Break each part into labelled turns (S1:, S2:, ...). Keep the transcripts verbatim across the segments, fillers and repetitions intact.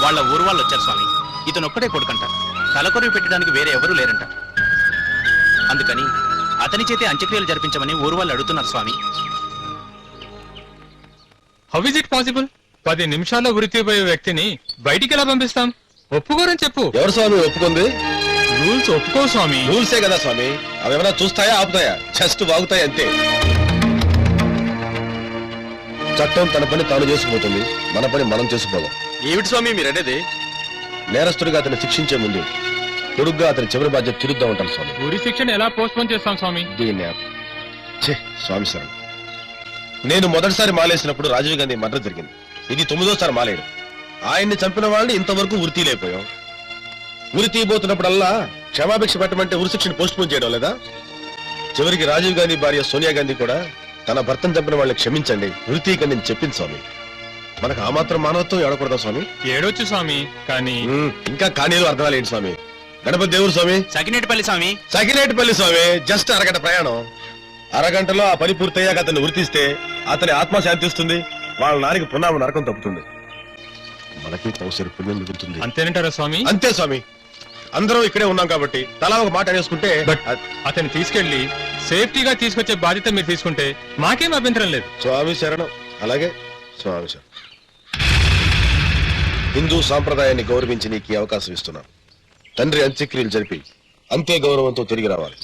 S1: వాళ్ళ ఊరు వాళ్ళు వచ్చారు స్వామి. ఇతను ఒక్కడే కొడుకంట, తలకొరివి పెట్టడానికి వేరే ఎవరూ లేరంట. అందుకని అతని చేతే అంత్యక్రియలు జరిపించమని ఊరు వాళ్ళు అడుగుతున్నారు స్వామి.
S2: How is it possible? పది నిమిషాల్లో ఉరితీపోయే వ్యక్తిని బయటికి ఎలా పంపిస్తాం? ఒప్పుకోరని చెప్పు.
S3: ఎవరు స్వామి ఒప్పుకుంది?
S2: రూల్స్ ఒప్పుకో స్వామి.
S3: రూల్సే కదా స్వామి, అవి ఏమైనా చూస్తాయా ఆపుతాయా? జస్ట్ వాగుతాయి అంతే. చట్టం తన పని తాను చేసుకుపోతుంది, మన పని మనం చేసుకోవాలి.
S1: ఏమిటి స్వామి మీరనేది?
S3: నేరస్తుడిగా అతన్ని శిక్షించే ముందు కొడుగ్గా అతని చివరి బాధ్యత తిరుగుతూ ఉంటాం స్వామి.
S2: ఉరి శిక్షణ ఎలా పోస్ట్ పోన్ చేస్తాం స్వామి?
S3: దీన్ని ఛే, స్వామి శరణ్. నేను మొదటిసారి మాలేసినప్పుడు రాజీవ్ గాంధీ మర్డర్ జరిగింది. ఇది తొమ్మిదోసారి మాలేడు. ఆయన్ని చంపిన వాళ్ళని ఇంతవరకు ఉరి తీయలేకపోయాం. ఉరి తీయబోతున్నప్పుడల్లా క్షమాభిక్ష పెట్టమంటే ఉరి శిక్షను పోస్ట్ పోన్ చేయడం లేదా? చివరికి రాజీవ్ గాంధీ భార్య సోనియా గాంధీ కూడా తన భర్తను చంపిన వాళ్ళని క్షమించండి, ఉరి తీయకండి అని చెప్పింది స్వామి. మనకు ఆ మాత్రం మానవత్వం ఏడకూడదా స్వామి?
S2: ఏడొచ్చు స్వామి, కానీ
S3: ఇంకా కానీలు అర్థాలు ఏంటి స్వామి? గణపతి దేవుడు స్వామి,
S1: సకినేటిపల్లి స్వామి.
S3: సకినేటిపల్లి స్వామి. జస్ట్ అరగంట ప్రయాణం. అరగంటలో ఆ పని పూర్తయ్యాక అతన్ని ఉరితీస్తే అతని ఆత్మ శాంతిస్తుంది, వాళ్ళ నానికి పునామ నరకం తప్పుతుంది, మనకి పౌసరి పుణ్యం మిగులుతుంది.
S2: అంతేనంటారా స్వామి?
S3: అంతే స్వామి. అందరం ఇక్కడే ఉన్నాం కాబట్టి తలా ఒక మాట అనేసుకుంటే.
S2: బట్ అతన్ని తీసుకెళ్లి సేఫ్టీగా తీసుకొచ్చే బాధ్యత మీరు తీసుకుంటే మాకేం అభ్యంతరం లేదు.
S3: స్వామి శరణం. అలాగే స్వామి శరణం. హిందూ సాంప్రదాయాన్ని గౌరవించి నీకు ఈ అవకాశం ఇస్తున్నాను. తండ్రి అంత్యక్రియలు జరిపి అంతే గౌరవంతో తిరిగి రావాలి.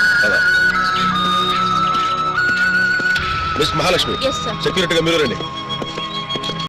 S3: Miss Mahalakshmi,
S4: Yes, sir.
S3: సెక్యూరిటీగా మీరు రండి.